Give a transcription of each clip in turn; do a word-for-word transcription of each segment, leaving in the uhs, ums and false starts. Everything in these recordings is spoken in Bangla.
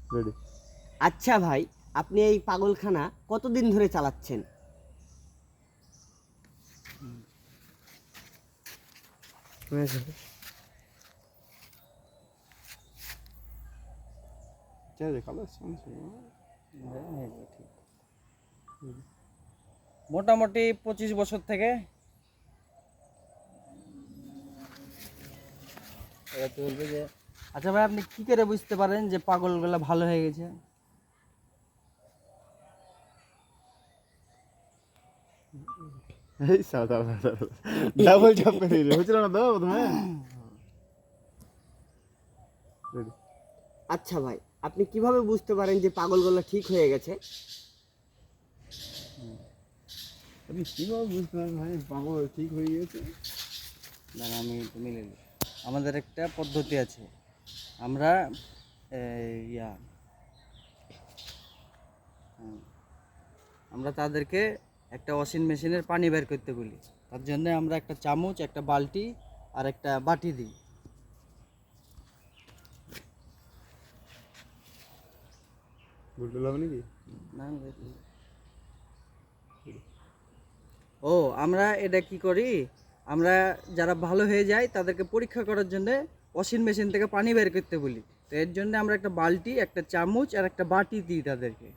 রেডি। আচ্ছা ভাই, আপনি এই পাগলখানা কতদিন ধরে চালাচ্ছেন? মোটামুটি পঁচিশ বছর থেকে। এবার তো বলবে যে আচ্ছা ভাই, আপনি কি করে বুঝতে পারেন যে পাগলগুলা ভালো হয়ে গেছে? এই সাদা সাদা ডাবল চাপ করে দিলে হচ্ছিল না তো প্রথমে। রেডি। আচ্ছা ভাই, আপনি কিভাবে বুঝতে পারেন যে পাগলগুলো ঠিক হয়ে গেছে? আমি কীভাবে বুঝতে পারি ভাই পাগল ঠিক হয়ে গিয়েছে? না না, আমি একটু মিলে নিই। আমাদের একটা পদ্ধতি আছে। আমরা এই, ইয়া হুম, আমরা তাদেরকে একটা ওয়াশিং মেশিনের পানি বের করতে বলি। তার জন্য আমরা একটা চামচ, একটা বালতি আর একটা বাটি দিই। বলতে হবে নাকি? না না, ও আমরা এটা কি করি, আমরা যারা ভালো হয়ে যায় তাদেরকে পরীক্ষা করার জন্য ওয়াশিং মেশিন থেকে পানি বের করতে বলি। তো এর জন্য আমরা একটা বালতি, একটা চামচ আর একটা বাটি দিই তাদেরকে।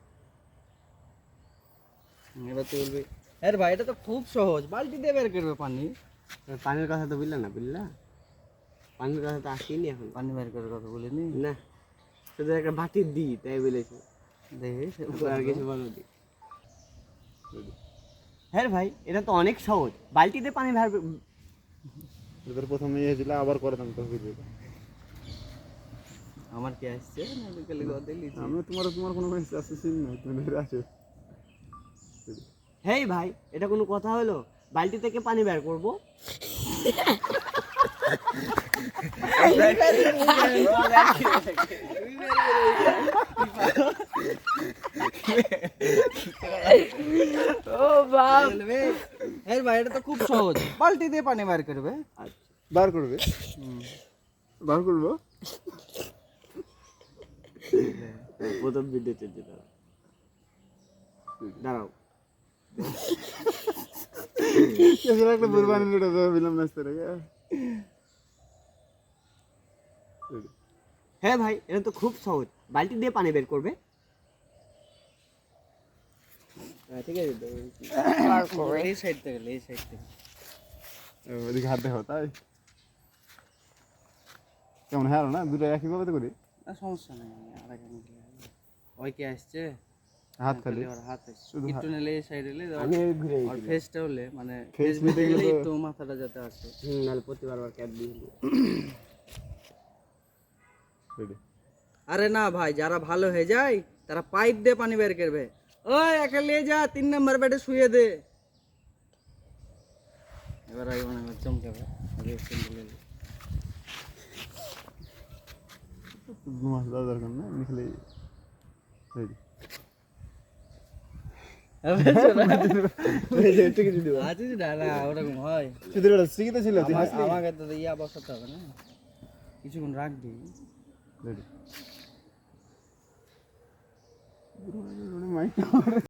হুম, এবার তুই বলবি হ্যাঁ ভাই, এটা তো খুব সহজ, বালতি দিয়ে বের করবে পানি। পানির কথা তো বললা না, বুঝলা? পানির কথা তো আসেনি এখন। পানি বের করার কথা বলিনি। না, শুধু একটা বাটি দিই তাই বলেছি। দেখি আর কিছু বলো দি। হ্যাঁ ভাই, এটা তো অনেক সহজ, বালতিতে পানি ভার। এবার প্রথমে ইয়ে ছিল আবার করে দাম তো ভিডিও। আমার কি আসছে না, বিকালে কথা লিখি। আমি তোমার তোমার কোনো অ্যাসেসিন নাই, তুমি ধরে আছো। হেই ভাই, এটা কোনো কথা হলো? বালতি থেকে পানি বের করবো? ও বাপ, হ্যাঁ ভাই, এটা তো খুব সহজ, বালতি দিয়ে পানি বের করবে। বার করবে? বার করবো? প্রথম ভিডিও চলছে, দাঁড়াও দাঁড়াও। এসব একটা বুরবানি লুটা দেবো বিলম নাচতে রেখে। হ্যাঁ ভাই, এটা তো খুব সহজ, বালতি দিয়ে পানি বের করবে। ঠিক আছে, এই সাইড থেকে, এই সাইড থেকে। ওদিকে হাত দেখো তাই কেমন হ্যাঁ না, দুটো একইভাবে তো করি। না সমস্যা নেই, আর আগে নিলে ওই কি আসছে হাত খালি ওর হাত আসছে, শুধু একটু নিলে এই সাইড এলে আমি ঘুরে আর ফেসটা হলে মানে Face ফেস নিতে নিতে গেলে গেলে তো- একটু মাথাটা যাতে আসে। হুম, নাহলে প্রতিবার আবার ক্যাপ দিয়ে দিই। রেডি। আরে না ভাই, যারা ভালো হয়ে যায় তারা পাইপ দিয়ে পানি বের করবে। ওই একা নিয়ে যা, তিন নম্বর বেডে শুয়ে দে। এবার আগে মনে হয় চমকাবে, আগে সিম্পল এলে। মাছ দেওয়া দরকার না, নিখলে রেডি। আছে যে না না, ওরকম হয়। শুধু এটা স্টিকিতে ছিল তুই আমা- হাসলি। আমাকে তো ইয়া বসাতে হবে না, কিছুক্ষণ রাখবি। রেডি। মাইক